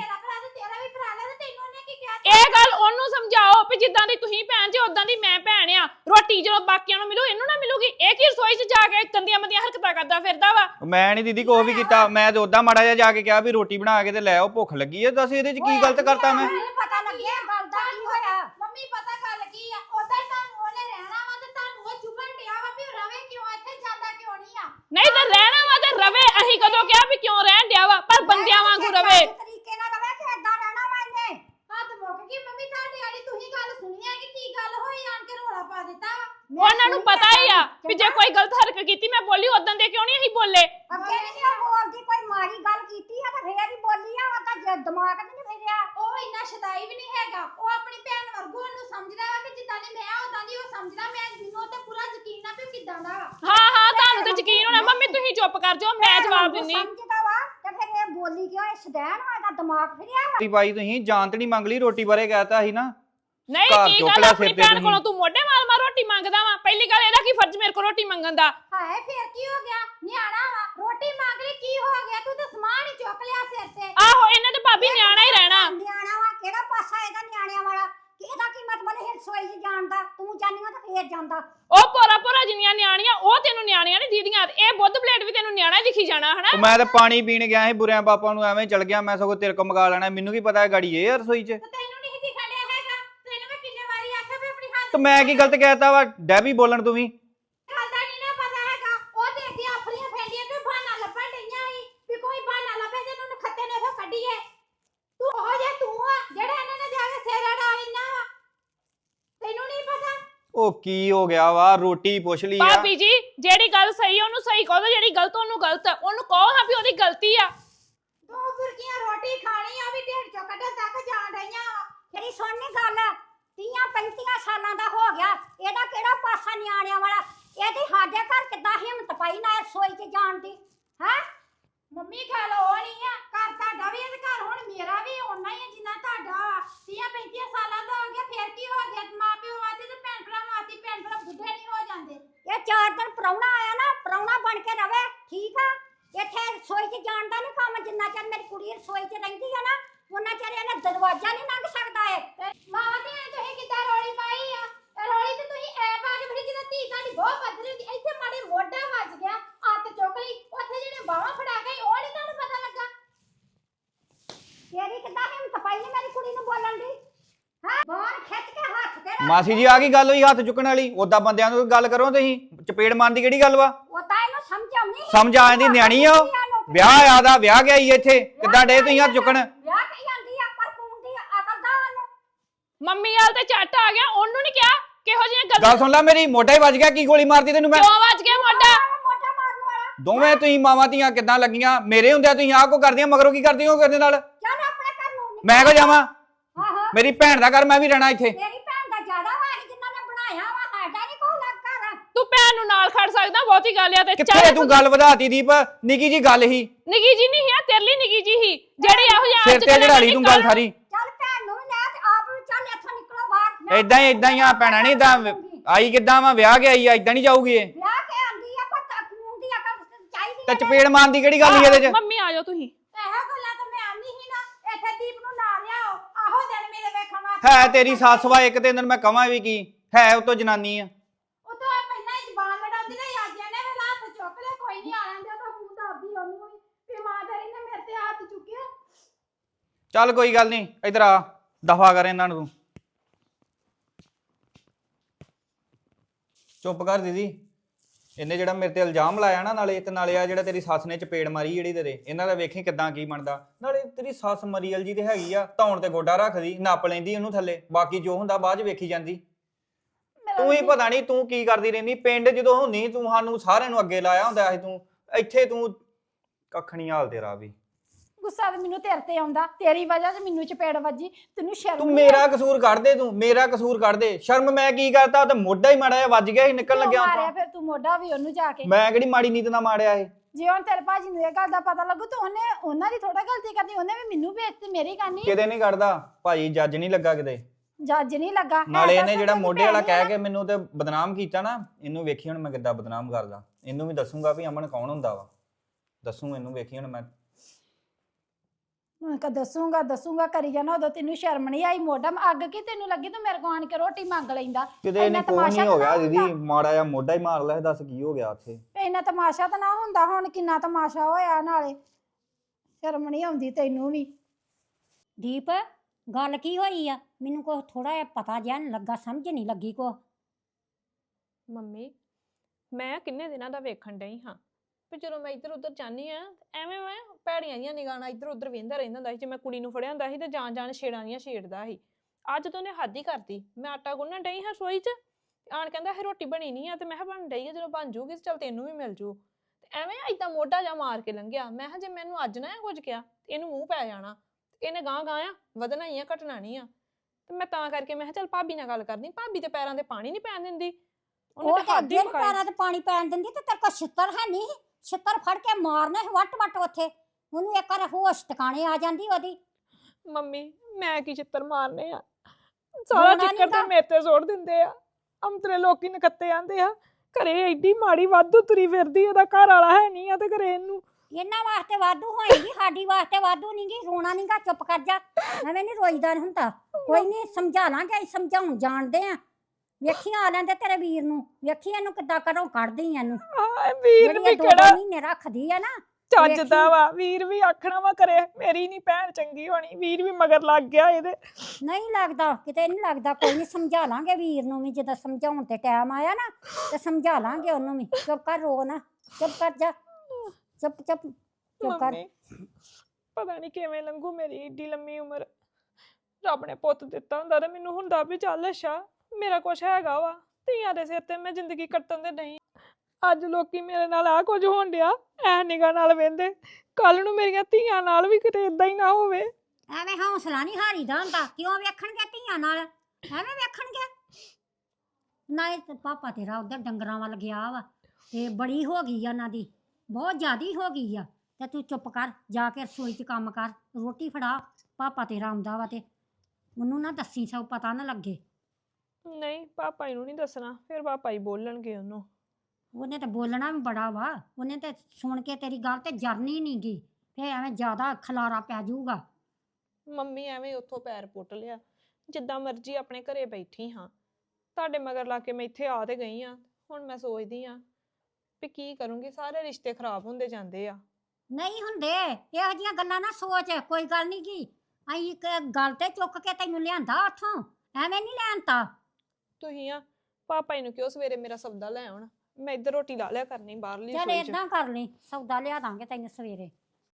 ਇਹ ਗੱਲ ਉਹਨੂੰ ਸਮਝਾਓ ਵੀ ਜਿੱਦਾਂ ਦੀ ਤੁਸੀਂ ਭੈਣ ਜੇ ਉਦਾਂ ਦੀ ਮੈਂ ਭੈਣ ਆ ਰੋਟੀ ਜਦੋਂ ਬਾਕੀਆਂ ਨੂੰ ਮਿਲੂ ਇਹਨੂੰ ਨਾ ਮਿਲੂਗੀ ਇਹ ਕੀ ਰਸੋਈ 'ਚ ਜਾ ਕੇ ਗੰਦੀਆਂ ਮੰਦੀਆਂ ਹਰਕਤਾਂ ਕਰਦਾ ਫਿਰਦਾ ਵਾ ਮੈਂ ਨਹੀਂ ਦੀਦੀ ਕੋਈ ਵੀ ਕੀਤਾ ਮੈਂ ਤੇ ਉਦਾਂ ਮਾੜਾ ਜਿਹਾ ਜਾ ਕੇ ਕਿਹਾ ਵੀ ਰੋਟੀ ਬਣਾ ਕੇ ਤੇ ਲੈ ਆਓ ਭੁੱਖ ਲੱਗੀ ਹੈ ਦੱਸ ਇਹਦੇ 'ਚ ਕੀ ਗਲਤ ਕਰਤਾ ਮੈਂ
ਪਤਾ ਲੱਗਿਆ ਗੱਲ ਦਾ ਕੀ ਹੋਇਆ
ਮੰਮੀ ਪਤਾ ਗੱਲ ਕੀ ਆ ਉਦਾਂ ਤੁਹਾਨੂੰ ਉਹਨੇ ਰਹਿਣਾ ਵਾ ਤੇ ਤੁਹਾਨੂੰ ਉਹ ਚੁਗਣ ਡਿਆ ਵਾ ਵੀ ਰਵੇ ਕਿਉਂ ਇੱਥੇ ਜਾਂਦਾ ਕਿਉਂ ਨਹੀਂ ਆ
ਨਹੀਂ ਤਾਂ ਰਹਿਣਾ ਵਾ ਤੇ ਰਵੇ ਅਸੀਂ ਕਦੋਂ ਕਿਹਾ ਵੀ ਕਿਉਂ ਰਹਿਣ ਡਿਆ ਵਾ ਪਰ ਬੰਦਿਆਂ ਵਾਂਗੂ ਰਵੇ
ਤਰੀਕੇ ਨਾਲ ਰਵੇ ਕਿ ਏਦਾਂ ਰਹਿਣਾ ਵਾ ਇਹਨੇ
ਹੱਥ ਮੁੱਕ ਗਈ ਮੰਮੀ ਤੁਹਾਡੇ ਵਾਲੀ ਤੁਸੀਂ ਗੱਲ ਸੁਣੀ ਆ ਕਿ ਕੀ ਗੱਲ ਹੋਈ ਆਣ ਕੇ ਰੋਲਾ ਪਾ ਦਿੱਤਾ ਵਾ
ਉਹਨਾਂ ਨੂੰ ਪਤਾ ਹੀ ਆ ਵੀ ਜੇ ਕੋਈ ਗਲਤ ਹਰਕਤ ਕੀਤੀ ਮੈਂ ਬੋਲੀ ਉਦੋਂ ਦੇ ਕਿਉਂ ਨਹੀਂ ਅਸੀਂ ਬੋਲੇ
ਅੱਗੇ ਨਹੀਂ ਉਹ ਬੋਲਦੀ ਕੋਈ ਮਾੜੀ ਗੱਲ ਕੀਤੀ ਆ ਤਾਂ ਫੇਰ ਹੀ ਬੋਲੀ ਆ ਉਹ ਤਾਂ ਦਿਮਾਗ ਨਹੀਂ ਫਿਰਿਆ
ਉਹ ਇੰਨਾ ਸ਼ਦਾਈ ਵੀ ਨਹੀਂ ਹੈਗਾ ਉਹ ਆਪਣੀ ਭੈਣ ਵਰਗੂ ਉਹਨੂੰ ਸਮਝਦਾ ਵਾ ਕਿ ਜਿੱਦਾਂ ਦੀ ਮੈਂ ਉਦਾਂ ਦੀ ਉਹ ਸਮਝਦਾ ਮੈਂ ਮੈਨੂੰ ਤੇ ਪੂਰਾ ਯਕੀਨ ਆ ਵੀ ਕਿਦਾਂ ਦਾ
ਹਾਂ ਹਾਂ ਤੁਹਾਨੂੰ ਤੇ ਯਕੀਨ ਹੋਣਾ ਮੰਮੀ ਤੁਸੀਂ ਚੁੱਪ ਕਰ ਜਾਓ ਮੈਂ ਜਵਾਬ ਦਿੰਨੀ
ਸਮਝਦਾ ਵਾ ਤੇ ਫਿਰ ਇਹ ਬੋਲੀ ਕਿਉਂ ਇਸ ਸਦੈਨ ਵਾ ਇਹਦਾ ਦਿਮਾਗ ਫਿਰਿਆ ਵਾ
ਭਾਈ ਤੁਸੀਂ ਜਾਨ ਤੇ ਨਹੀਂ ਮੰਗ ਲਈ ਰੋਟੀ ਬਾਰੇ ਕਹਿਤਾ ਸੀ ਨਾ
ਨਹੀਂ ਕੀ ਗੱਲ ਆਪਣੀ ਭੈਣ ਕੋਲੋਂ ਤੂੰ ਮੋਢੇ ਮਾਰ ਮਾਰ ਰੋਟੀ ਮੰਗਦਾ ਵਾ ਪਹਿਲੀ ਗੱਲ ਇਹਦਾ ਕੀ ਫਰਜ਼ ਮੇਰੇ ਕੋਲ ਰੋਟੀ ਮੰਗਣ ਦਾ
ਹਾਏ ਫੇਰ ਕੀ ਹੋ ਗਿਆ ਨਿਆਣਾ ਵਾ ਰੋਟੀ ਮੰਗ
ਆ ਤੇ ਇਹ ਬੁੱਧ ਪਲੇਟ ਵੀ ਤੈਨੂੰ ਨਿਆਣਾ ਦਿਖੀ ਜਾਣਾ ਹਨਾ।
ਤੇ ਮੈਂ ਤਾਂ ਪਾਣੀ ਪੀਣ ਗਿਆ ਸੀ ਬੁਰਿਆਂ ਪਾਪਾ ਨੂੰ ਐਵੇਂ ਚਲ ਗਿਆ ਮੈਂ ਸਗੋਂ ਤੇਰੇ ਕੋ ਮੰਗਾ ਲੈਣਾ ਮੈਨੂੰ ਕੀ ਪਤਾ ਹੈ ਗਾੜੀ ਇਹ ਆ ਰਸੋਈ 'ਚ।
ਤੈਨੂੰ ਨਹੀਂ ਦਿਖਣ ਡਿਆ ਹੈਗਾ ਤੈਨੂੰ ਮੈਂ ਕਿੰਨੇ ਵਾਰੀ ਆਖਿਆ ਵੀ ਆਪਣੀ ਹੱਥ
ਤੇ ਮੈਂ ਕੀ ਗਲਤ ਕਹਿਤਾ ਵਾ ਡੈਬੀ ਬੋਲਣ ਤੂੰ ਵੀ।
ਗੱਲ ਦਾ ਨਹੀਂ ਨਾ ਪਤਾ ਹੈਗਾ ਉਹ ਤੇ ਅੱਗੇ ਆਪਣੀਆਂ ਫੈਂਡੀਆਂ ਕੋਈ ਬਹਾਨਾ ਲੱਭਣ ਡਈਆਂ ਸੀ ਵੀ ਕੋਈ ਬਹਾਨਾ ਲੱਭੇ ਤੇ ਉਹਨੂੰ ਖੱਤੇ ਨੇ ਉਹ ਕੱਢੀਏ। ਤੂੰ ਉਹ ਜੇ ਤੂੰ ਆ ਜਿਹੜਾ ਇਹਨਾਂ ਨੇ ਜਾ ਕੇ ਸੇਰਾ ਡਾਲ ਇੰਨਾ ਵਾ ਤੈਨੂੰ ਨਹੀਂ ਪਤਾ।
ਉਹ ਕੀ ਹੋ ਗਿਆ ਵਾ ਰੋਟੀ ਪੁੱਛ ਲਈ ਆ।
ਭਾਬੀ ਜੀ ਜਿਹੜੀ ਗੱਲ ਸਹੀ ਆ ਉਹਨੂੰ ਸਹੀ ਕਹੋ ਤੇ ਜਿਹੜੀ ਗਲਤ ਉਹਨੂੰ ਗਲਤ ਉਹਨੂੰ ਕਹੋ ਹਾਂ ਵੀ ਉਹਦੀ ਗਲਤੀ ਆ।
ਦੋ ਬੁਰਕੀਆਂ ਰੋਟੀ ਖਾਣੀ ਆ ਵੀ ਢਿੱਡ ਚੋਂ ਕੱਢਣ ਤੱਕ ਜਾਣ ਡਈਆਂ ਵਾ।
ਤੇਰੀ ਸੁਣਨੀ ਗੱਲ ਤੀਆਂ ਪੈਂਤੀਆਂ ਸਾਲਾਂ ਦਾ ਹੋ ਗਿਆ ਇਹਦਾ ਕਿਹੜਾ ਪਾਸਾ ਨਿਆਣਿਆਂ ਵਾਲਾ ਇਹਦੀ ਸਾਡੇ ਘਰ ਕਿੱਦਾਂ ਹਿੰਮਤ ਪਾਈ ਨਾ ਰਸੋਈ 'ਚ ਜਾਣ ਦੀ ਹੈ।
ਮੰਮੀ ਗੱਲ ਉਹ ਨਹੀਂ ਆ ਘਰ ਤੁਹਾਡਾ ਵੀ ਤੇ ਘਰ ਹੁਣ ਮੇਰਾ ਵੀ ਓਨਾ ਹੀ ਆ ਜਿੰਨਾ ਤੁਹਾਡਾ ਵਾ। ਤੀਆਂ ਪੈਂਤੀਆਂ ਸਾਲਾਂ ਦਾ ਹੋ ਗਿਆ ਫੇਰ ਕੀ ਹੋ ਗਿਆ ਮਾਂ ਪਿਓ ਵਾਸਤੇ ਤੇ ਭੈਣ ਭਰਾ ਵਾਸਤੇ ਭੈਣ ਭਰਾ ਬੁੱਢੇ ਨਹੀਂ ਹੋ ਜਾਂਦੇ।
ਇਹ ਚਾਰ ਦਿਨ ਪ੍ਰਾਹੁਣਾ ਆਇਆ ਨਾ ਪ੍ਰਾਹੁਣਾ ਬਣ ਕੇ ਰਵੇ ਠੀਕ ਆ। ਇੱਥੇ ਰਸੋਈ 'ਚ ਜਾਣ ਦਾ ਨਹੀਂ ਕੰਮ ਜਿੰਨਾ ਚਿਰ ਮੇਰੀ ਕੁੜੀ ਰਸੋਈ 'ਚ ਰਹਿੰਦੀ ਆ ਨਾ ਉਹਨਾਂ ਚਿਰ ਇਹਨੇ ਦਰਵਾਜ਼ਾ ਨਹੀਂ ਲੰਘ ਸਕਦਾ ਏ।
ਮਾਂ ਧੀਆਂ ਤੁਸੀਂ ਕਿੱਦਾਂ ਰੋਲੀ ਪਾਈ ਆ ਰੋਲੀ ਤੇ ਤੁਸੀਂ ਐ ਪਾ ਕੇ ਬੜੀ ਜਦੋਂ ਧੀ ਤੁਹਾਡੀ ਬਹੁਤ ਪੱਧਰੀ ਹੁੰਦੀ ਇੱਥੇ ਮਾੜੇ ਮੋਢਾ ਵੱਜ ਗਿਆ ਹੱਥ ਚੁੱਕ ਲਈ ਉੱਥੇ ਜਿਹੜੇ ਬਾਹਾਂ ਫੜਾ ਗਈ ਉਹ ਨਹੀਂ ਤੁਹਾਨੂੰ ਪਤਾ ਲੱਗਾ।
ਤੇਰੀ ਕਿੱਦਾਂ ਹਿੰਮਤ ਪਾਈ ਨੀ ਮੇਰੀ ਕੁੜੀ ਨੂੰ ਬੋਲਣ ਦੀ ਹੈ। ਬਾਹਰ ਖਿੱਚ ਕੇ ਹੱਥ ਤੇ ਰੱਖ।
ਮਾਸੀ ਜੀ ਆ ਕੀ ਗੱਲ ਹੋਈ ਹੱਥ ਚੁੱਕਣ ਵਾਲੀ ਉਦਾਂ ਬੰਦਿਆਂ ਨੂੰ ਗੱਲ ਕਰੋ ਤੁਸੀਂ ਚਪੇੜ ਮਾਰਨ ਦੀ ਕਿਹੜੀ ਗੱਲ ਵਾ।
ਉਹ ਤਾਂ ਇਹਨੂੰ ਸਮਝ ਆਉਣੀ
ਸਮਝ ਆ ਜਾਂਦੀ ਨਿਆਣੀ ਆ ਉਹ ਵਿਆਹ ਆਦਾ ਵਿਆਹ ਗਿਆ ਈ ਇੱਥੇ ਕਿੱਦਾਂ ਡੇ ਤੁਸੀਂ ਹੱਥ ਚੁੱਕਣ।
ਵਿਆਹ ਕਹੀ ਜਾਂਦੀ ਆ ਪਰ ਕੂਣ ਦੀ ਅਕਲ ਦਾ ਉਹਨੂੰ।
ਮੰਮੀ ਵਾਲ ਤੇ ਝੱਟ ਆ ਗਿਆ ਉਹਨੂੰ ਨਹੀਂ ਕਿਹਾ ਕਿਹੋ ਜਿਹੀਆਂ
ਗੱਲ
ਗੱਲਾਂ।
ਸੁਣ ਲੈ ਮੇਰੀ ਮੋਢਾ ਹੀ ਵੱਜ ਗਿਆ ਕੀ ਗੋਲੀ ਮਾਰਦੀ ਤੈਨੂੰ ਮੈਂ।
ਕਿਉਂ ਵੱਜ ਗਿਆ ਮੋਢਾ।
ਮੋਢਾ ਮਾਰਨ ਵਾਲਾ
ਦੋਵੇਂ ਤੁਸੀਂ ਮਾਵਾਂ ਧੀਆਂ ਕਿੱਦਾਂ ਲੱਗੀਆਂ ਮੇਰੇ ਹੁੰਦਿਆਂ ਤੁਸੀਂ ਆਹ ਕੋ ਕਰਦੀਆਂ ਮਗਰੋਂ ਕੀ ਕਰਦੀਆਂ ਉਹ ਕਰਦੇ ਨਾਲ।
ਚੱਲ ਆਪਣੇ ਘਰ ਨੂੰ ਨਿਕਲ।
ਮੈਂ ਕੋ ਜਾਵਾਂ
ਆਹੋ
ਮੇਰੀ ਭੈਣ ਦਾ ਘਰ ਮੈਂ ਵੀ ਰਹਿਣਾ ਇੱਥੇ।
ਤੇਰੀ ਭੈਣ ਦਾ ਜ਼ਿਆਦਾ ਵਾ ਅਸੀਂ ਜਿੰਨਾਂ ਨੇ ਬਣਾਇਆ ਵਾ ਸਾਡਾ ਨਹੀਂ ਕੋਈ ਲੱਗ ਘਰ।
ਤੂੰ ਭੈਣ ਨੂੰ ਨਾਲ ਖੜ ਸਕਦਾ ਬਹੁਤੀ ਗੱਲ ਆ ਤੇ
ਕਿੱਥੇ ਤੂੰ ਗੱਲ ਵਧਾਤੀ ਦੀਪ ਨਿੱਕੀ ਜੀ ਗੱਲ ਹੀ
ਨਿੱਕੀ ਜੀ ਨਹੀਂ ਹੈ ਤੇਰੇ ਲਈ ਨਿੱਕੀ ਜੀ ਹੀ ਜਿਹੜੀ ਇਹੋ ਜਿਹਾ
ਸਿਰ ਤੇ ਚੜਾਲੀ ਤੂੰ ਗੱਲ ਸਾਰੀ।
ਚੱਲ ਭੈਣ ਨੂੰ ਵੀ ਲੈ ਤੇ ਆਪ ਵੀ ਚੱਲ ਇੱਥੋਂ ਨਿਕਲੋ ਬਾਹਰ।
ਏਦਾਂ ਹੀ ਏਦਾਂ ਹੀ ਆ ਭੈਣਾ ਨਹੀਂ ਏਦਾਂ ਆਈ ਕਿੱਦਾਂ ਵਾ ਵਿਆਹ ਕੇ ਆਈ ਆ ਏਦਾਂ ਨਹੀਂ ਜਾਊਗੀ ਇਹ।
ਵਿਆਹ ਕੇ ਆਂਦੀ ਆ ਪਰ ਤਕੂਨ ਦੀ ਅਕਲ ਚਾਹੀਦੀ
ਤੇ ਚਪੇੜ ਮਾਰਨ ਦੀ ਕਿਹੜੀ ਗੱਲ ਹੀ ਇਹਦੇ ਚ।
ਮੰਮੀ ਆ ਜਾਓ ਤੁਸੀਂ।
ਇਹੋ ਗੱਲਾਂ ਤਾਂ ਮੈਂ ਆਂਦੀ ਸੀ ਨਾ ਇੱਥੇ ਦੀਪ ਨੂੰ ਨਾ ਲਿਆਓ ਆਹੋ ਦਿਨ ਮੇਰੇ ਵੇਖਣ ਵਾਸਤੇ।
ਹੈ ਤੇਰੀ ਸੱਸ ਵਾ ਇੱਕ ਤੇ ਦਿਨ ਮੈਂ ਕਵਾਂ ਵੀ ਕੀ ਹੈ ਉਹ ਤੋਂ ਜਨਾਨੀ ਆ।
ਉਹ ਤਾਂ ਆ ਪਹਿਲਾਂ ਹੀ ਜ਼ਬਾਨ ਲੜਾਉਂਦੀ ਰਹੀ ਅੱਜ ਇਹਨੇ ਵੇਲਾ ਹੱਥ ਚੁੱਕ ਲਿਆ ਕੋਈ ਨਹੀਂ ਆਣ ਦਿਆ ਤਾਂ ਮੂੰਹ ਦੱਬਦੀ ਉਹਨੂੰ ਵੀ ਵੀ ਮਾਂ ਤੇਰੀ ਨੇ ਮੇਰੇ ਤੇ ਹੱਥ ਚੁੱਕਿਆ।
ਚੱਲ ਕੋਈ ਗੱਲ ਨਹੀਂ ਇਧਰ ਆ ਦਫਾ ਕਰ ਇਹਨਾਂ ਨੂੰ ਤੂੰ ਚੁੱਪ ਕਰ ਦੀਦੀ। ਇਹਨੇ ਜਿਹੜਾ ਮੇਰੇ ਤੇ ਇਲਜ਼ਾਮ ਲਾਇਆ ਨਾ ਨਾਲੇ ਤੇ ਨਾਲੇ ਆ ਜਿਹੜਾ ਤੇਰੀ ਸੱਸ ਨੇ ਚਪੇੜ ਮਾਰੀ ਜਿਹੜੀ ਤੇਰੇ ਇਹਨਾਂ ਦਾ ਵੇਖੀ ਕਿਦਾਂ ਕੀ ਬਣਦਾ। ਨਾਲੇ ਤੇਰੀ ਸੱਸ ਮਰੀਅਲ ਜੀ ਤੇ ਹੈਗੀ ਆ ਧੌਣ ਤੇ ਗੋਡਾ ਰੱਖਦੀ ਨੱਪ ਲੈਂਦੀ ਉਹਨੂੰ ਥੱਲੇ ਬਾਕੀ ਜੋ ਹੁੰਦਾ ਬਾਅਦ ਚ ਵੇਖੀ ਜਾਂਦੀ। ਤੂੰ ਹੀ ਪਤਾ ਨਹੀਂ ਤੂੰ ਕੀ ਕਰਦੀ ਰਹਿੰਦੀ ਪਿੰਡ ਜਦੋਂ ਹੁੰਨੀ ਤੂੰ ਸਾਨੂੰ ਸਾਰਿਆਂ ਨੂੰ ਅੱਗੇ ਲਾਇਆ ਹੁੰਦਾ ਸੀ ਤੂੰ ਇੱਥੇ ਤੂੰ ਕੱਖ ਨਹੀਂ ਹਾਲ ਤੇਰਾ ਵੀ।
ਗੁੱਸਾ ਤਾਂ ਮੈਨੂੰ ਤੇਰੇ ਤੇ ਆਉਂਦਾ ਤੇਰੀ ਵਜ੍ਹਾ ਤੇ ਮੈਨੂੰ ਚਪੇੜ ਵੱਜੀ ਤੈਨੂੰ ਸ਼ਰਮ
ਤੂੰ ਮੇਰਾ ਕਸੂਰ ਕੱਢ ਦੇ ਤੂੰ ਮੇਰਾ ਕਸੂਰ ਕੱਢ ਦੇ ਸ਼ਰਮ ਮੈਂ ਕੀ ਕਰਤਾ ਉਹ ਤਾਂ ਮੋਢਾ ਹੀ ਮਾੜਾ ਜਿਹਾ ਵੱਜ ਗਿਆ ਸੀ ਨਿਕਲ ਲੱਗਿਆ
ਮਾਰਿਆ
ਉੱਥੋਂ।
ਫਿਰ ਤੂੰ ਮੋਢਾ ਵੀ ਉਹਨੂੰ ਜਾ ਕੇ
ਮੈਂ ਕਿਹੜੀ ਮਾੜੀ ਨੀਤ ਨਾਲ ਮਾਰਿਆ ਇਹ।
ਜੇ ਹੁਣ ਤੇਰੇ ਭਾਜੀ ਨੂੰ ਇਹ ਗੱਲ ਦਾ ਪਤਾ ਲੱਗੂ ਤਾਂ ਉਹਨੇ ਉਹਨਾਂ ਦੀ ਥੋੜਾ ਗਲਤੀ ਕਰਨੀ ਉਹਨੇ ਵੀ ਮੈਨੂੰ ਬੇਇੱਜ਼ਤੀ ਮੇਰੀ ਕਰਨੀ।
ਕਿਤੇ ਨਹੀਂ ਕੱਢਦਾ ਭਾਈ ਜੱਜ ਨਹੀਂ ਲੱਗਾ ਕਿਤੇ
ਜੱਜ ਨਹੀਂ ਲੱਗਾ
ਨਾਲੇ ਇਹਨੇ ਜਿਹੜਾ ਮੋਢੇ ਵਾਲਾ ਕਹਿ ਕੇ ਮੈਨੂੰ ਤੇ ਬਦਨਾਮ ਕੀਤਾ ਨਾ ਇਹਨੂੰ ਵੇਖੀ ਹੁਣ ਮੈਂ ਕਿੱਦਾਂ ਬਦਨਾਮ ਕਰਦਾ। ਇਹਨੂੰ ਵੀ ਦੱਸੂਗਾ ਵੀ ਅਮਨ ਕੌਣ ਹੁੰਦਾ ਵਾ ਦੱਸੂ ਇਹਨੂੰ ਵੇਖੀ ਹੁਣ ਮੈਂ।
ਮੈਂ ਕਹ ਦੱਸੂਗਾ ਦੱਸੂਗਾ ਕਰੀ ਜਾਣਾ ਉਦੋਂ ਤੈਨੂੰ ਸ਼ਰਮ ਨਹੀਂ ਆਈ ਮੋਢਾ ਅੱਗ ਕੀ ਤੈਨੂੰ ਲੱਗੀ ਤੂੰ ਮੇਰੇ ਕੋਲ ਆਣ ਕੇ ਰੋਟੀ ਮੰਗ ਲੈਂਦਾ।
ਕਿਤੇ ਇਹਨੇ ਕੋਈ ਨਹੀਂ ਹੋ ਗਿਆ ਦੀਦੀ ਮਾੜਾ ਜਿਹਾ ਮੋਢਾ ਹੀ ਮਾਰ ਲਿਆ ਦੱਸ ਕੀ ਹੋ ਗਿਆ ਉੱਥੇ।
ਇੰਨਾ ਤਮਾਸ਼ਾ ਤਾਂ ਨਾ ਹੁੰਦਾ ਹੁਣ ਕਿੰਨਾ ਤਮਾਸ਼ਾ ਹੋਇਆ ਨਾਲੇ ਸ਼ਰਮ ਨਹੀਂ ਆਉਂਦੀ ਤੈਨੂੰ ਵੀ।
ਦੀਪ ਗੱਲ ਕੀ ਹੋਈ ਆ ਮੈਨੂੰ ਕੋ ਥੋੜਾ ਜਿਹਾ ਪਤਾ ਜਿਹਾ ਨਹੀਂ ਲੱਗਾ ਸਮਝ ਨਹੀਂ ਲੱਗੀ ਕੋ।
ਮੰਮੀ ਮੈਂ ਕਿੰਨੇ ਦਿਨਾਂ ਦਾ ਵੇਖਣ ਡਈ ਹਾਂ ਵੀ ਜਦੋਂ ਮੈਂ ਇੱਧਰ ਉੱਧਰ ਜਾਂਦੀ ਆ ਐਵੇਂ ਮੈਂ ਭੈੜੀਆਂ ਜੀਆਂ ਨਿਗਾਹਾਂ ਇੱਧਰ ਉੱਧਰ ਵੇਂਦਾ ਰਹਿੰਦਾ ਹੁੰਦਾ ਸੀ। ਜੇ ਮੈਂ ਕੁੜੀ ਨੂੰ ਫੜਿਆ ਹੁੰਦਾ ਸੀ ਤੇ ਜਾਣ ਜਾਣ ਛੇੜਾਂ ਦੀਆਂ ਛੇੜਦਾ ਸੀ। ਅੱਜ ਤਾਂ ਉਹਨੇ ਹੱਦ ਹੀ ਕਰਤੀ। ਮੈਂ ਆਟਾ ਗੁੰਨਣ ਡਈ ਹਾਂ ਰਸੋਈ 'ਚ ਆਣ ਕਹਿੰਦਾ ਇਹ ਰੋਟੀ ਬਣੀ ਨਹੀਂ ਆ ਤੇ ਮੈਂ ਕਿਹਾ ਬਣ ਡਈ ਆ ਜਦੋਂ ਬਣ ਜੂਗੀ ਚੱਲ ਤੈਨੂੰ ਵੀ ਮਿਲ ਜੂ। ਤੇ ਐਵੇਂ ਏਦਾਂ ਮੋਢਾ ਜਾ ਮਾਰ ਕੇ ਲੰਘਿਆ। ਮੈਂ ਕਿਹਾ ਜੇ ਮੈਨੂੰ ਅੱਜ ਨਾ ਕੁਝ ਕਿਹਾ ਇਹਨੂੰ ਮੂੰਹ ਪੈ ਜਾਣਾ ਇਹਨੇ ਗਾਂ ਗਾਂ ਆ ਵਧਣਾ ਹੀ ਆ ਘਟਣਾ ਨਹੀਂ ਆ। ਤੇ ਮੈਂ ਤਾਂ ਕਰਕੇ ਮੈਂ ਕਿਹਾ ਚੱਲ ਭਾਬੀ ਨਾਲ ਗੱਲ ਕਰਨੀ ਭਾਬੀ ਤੇ ਪੈਰਾਂ ਤੇ ਪਾਣੀ ਨਹੀਂ ਪੈਣ ਦਿੰਦੀ।
ਉਹ ਤੇ ਅੱਗੇ ਨੀ ਪੈਰਾਂ ਤੇ ਪਾਣੀ ਪੈਣ ਦਿੰਦੀ ਤੇ ਤੇਰੇ ਕੋਲ ਛਿੱਤਰ ਹੈ ਨਹੀਂ ਛਿੱਤਰ ਫੜ ਕੇ ਮਾਰਨਾ ਸੀ ਵੱਟ ਵੱਟ ਉੱਥੇ ਉਹਨੂੰ ਇੱਕ ਵਾਰ ਹੋਸ਼ ਟਿਕਾਣੇ ਆ ਜਾਂਦੀ ਉਹਦੀ।
ਮੰਮੀ ਮੈਂ ਕੀ ਚਿੱਤਰ ਮਾਰਨੇ ਆ ਸਾਰਾ ਚੱਕਰ ਤੇ ਮੇਰੇ ਤੇ ਸੁੱਟ ਦਿੰਦੇ ਆ। ਅੰਤਰੇ ਲੋਕੀ ਨਕੱਤੇ ਆਂਦੇ ਆ ਘਰੇ ਐਡੀ ਮਾੜੀ ਵਾਧੂ ਤੁਰੀ ਫਿਰਦੀ ਇਹਦਾ ਘਰ ਵਾਲਾ ਹੈ ਨਹੀਂ ਆ ਤੇ ਘਰੇ ਇਹਨੂੰ
ਇਹਨਾਂ ਵਾਸਤੇ ਵਾਧੂ ਹੋਏਗੀ ਸਾਡੀ ਵਾਸਤੇ ਵਾਧੂ ਨਹੀਂ ਗੀ ਰੋਣਾ ਨਹੀਂ ਗਾ ਚੁੱਪ ਕਰ ਜਾ ਐਵੇਂ ਨਹੀਂ ਰੋਈਦਾ ਹੁੰਦਾ ਕੋਈ ਨਹੀਂ ਸਮਝਾ ਲਾਂਗੇ ਸਮਝਾਉਣ ਜਾਣਦੇ ਆ ਵੇਖੀ ਆ ਲੈਂਦੇ ਤੇਰੇ ਵੀਰ ਨੂੰ, ਵੇਖੀ ਇਹਨੂੰ ਕਿੱਦਾਂ ਘਰੋਂ ਕੱਢਦੀ ਆ ਇਹਨੂੰ,
ਹਾਏ ਵੀਰ
ਜਿਹੜੀ
ਵੀ
ਇਹ ਦੋ ਦੋ
ਕਿਹੜਾ
ਮਹੀਨੇ ਰੱਖਦੀ ਆ ਨਾ।
ਚੱਜਦਾ
ਵੇਖੀ।
ਵਾ, ਵੀਰ ਵੀ ਆਖਣਾ ਵਾ ਕਰੇ ਮੇਰੀ ਨਹੀਂ ਭੈਣ ਚੰਗੀ ਹੋਣੀ, ਵੀਰ ਵੀ ਮਗਰ ਲੱਗ ਗਿਆ ਇਹਦੇ।
ਨਹੀਂ ਲੱਗਦਾ, ਕਿਤੇ ਨਹੀਂ ਲੱਗਦਾ, ਕੋਈ ਨਹੀਂ ਸਮਝਾ ਲਾਂਗੇ ਵੀਰ ਨੂੰ ਵੀ, ਜਦੋਂ ਸਮਝਾਉਣ ਤੇ ਟਾਈਮ ਆਇਆ ਨਾ ਤੇ ਸਮਝਾ ਲਾਂਗੇ ਉਹਨੂੰ ਵੀ। ਚੁੱਪ ਕਰ, ਰੋ ਨਾ, ਚੁੱਪ ਕਰ ਜਾ, ਚੁੱਪ ਚੁੱਪ ਚੁੱਪ ਕਰ।
ਮੰਮੀ ਪਤਾ ਨਹੀਂ ਕਿਵੇਂ ਲੰਘੂ ਮੇਰੀ ਏਡੀ ਲੰਮੀ ਉਮਰ। ਰੱਬ ਨੇ ਪੁੱਤ ਦਿੱਤਾ ਹੁੰਦਾ ਤੇ ਮੈਨੂੰ ਹੁੰਦਾ ਵੀ ਚੱਲ ਅੱਛਾ ਮੇਰਾ ਕੁਛ ਹੈਗਾ ਵਾ, ਧੀਆਂ ਦੇ ਸਿਰ ਤੇ ਮੈਂ ਜ਼ਿੰਦਗੀ ਕੱਟਣ ਦੇ ਨਹੀਂ। ਅੱਜ ਲੋਕੀ ਮੇਰੇ ਨਾਲ ਆ ਕੁਝ ਹੋਣ ਡਿਆ, ਐ ਨਿਗਾਹ ਨਾਲ ਵੇਂਦੇ, ਕੱਲ ਨੂੰ ਮੇਰੀਆਂ ਧੀਆਂ ਨਾਲ ਵੀ ਕਿਤੇ ਇਦਾਂ ਹੀ ਨਾ ਹੋਵੇ।
ਐਵੇਂ ਹੌਸਲਾ ਨਹੀਂ ਹਾਰੀਦਾ ਹੁੰਦਾ, ਕਿਉਂ ਵੇਖਣਗੇ ਧੀਆਂ ਨਾਲ, ਐਵੇਂ ਵੇਖਣਗੇ। ਨਾ ਇਹ ਪਾਪਾ ਤੇਰਾ ਉਧਰ ਡੰਗਰਾਂ ਵੱਲ ਗਿਆ ਵਾ ਤੇ ਬੜੀ ਹੋ ਗਈ ਆ ਉਹਨਾਂ ਦੀ, ਬਹੁਤ ਜ਼ਿਆਦੀ ਹੋ ਗਈ ਆ। ਤੇ ਤੂੰ ਚੁੱਪ ਕਰ, ਜਾ ਕੇ ਰਸੋਈ 'ਚ ਕੰਮ ਕਰ, ਰੋਟੀ ਫੜਾ, ਪਾਪਾ ਤੇਰਾ ਆਉਂਦਾ ਵਾ ਤੇ ਉਹਨੂੰ ਨਾ ਦੱਸੀ, ਸਭ ਪਤਾ ਨਾ ਲੱਗੇ।
ਨਹੀਂ ਪਾਪਾ ਨੂੰ ਨਹੀਂ ਦੱਸਣਾ, ਫਿਰ ਪਾਪਾ ਹੀ ਬੋਲਣਗੇ ਉਹਨੂੰ।
ਉਹਨੇ ਤੇ ਬੋਲਣਾ ਵੀ ਬੜਾ ਵਾ, ਉਹਨੇ ਤੇ ਸੁਣ ਕੇ ਤੇਰੀ ਗੱਲ ਤੇ ਜਰਨੀ ਨਹੀਂ ਗੀ, ਫੇ ਐਵੇਂ ਜ਼ਿਆਦਾ ਖਲਾਰਾ ਪੈ ਜਾਊਗਾ।
ਮੰਮੀ ਐਵੇਂ ਉੱਥੋਂ ਪੈਰ ਪੁੱਟ ਲਿਆ, ਜਿੱਦਾਂ ਮਰਜ਼ੀ ਆਪਣੇ ਘਰੇ ਬੈਠੀ ਹਾਂ, ਤੁਹਾਡੇ ਮਗਰ ਲਾ ਕੇ ਮੈਂ ਇੱਥੇ ਆ ਤੇ ਗਈ ਆ। ਹੁਣ ਮੈਂ ਸੋਚਦੀ ਆ ਵੀ ਕੀ ਕਰੂੰਗੀ, ਸਾਰੇ ਰਿਸ਼ਤੇ ਖਰਾਬ ਹੁੰਦੇ ਜਾਂਦੇ ਆ।
ਨਹੀਂ ਹੁੰਦੇ, ਇਹੋ ਜਿਹੀਆਂ ਗੱਲਾਂ ਨਾ ਸੋਚ, ਕੋਈ ਗੱਲ ਨਹੀਂ ਗੀ। ਅਸੀਂ ਇੱਕ ਗੱਲ ਤੇ ਚੁੱਕ ਕੇ ਤੈਨੂੰ ਲਿਆਂਦਾ ਉੱਥੋਂ, ਐਵੇਂ ਨਹੀਂ ਲਿਆਂਤਾ।
ਤੁਸੀਂ ਆ ਪਾਪਾ ਜੀ ਨੂੰ ਕਿਉਂ ਸਵੇਰੇ ਮੇਰਾ ਸੌਦਾ ਲੈ ਆਉਣ, ਮੈਂ ਇੱਧਰ ਰੋਟੀ ਲਾ ਲਿਆ ਕਰਨੀ ਬਾਹਰਲੀ
ਚੱਲ
ਰਸੋਈ 'ਚ।
ਏਦਾਂ ਕਰ ਲਈ, ਸੌਦਾ ਲਿਆ ਦਾਂਗੇ ਤੈਨੂੰ ਸਵੇਰੇ।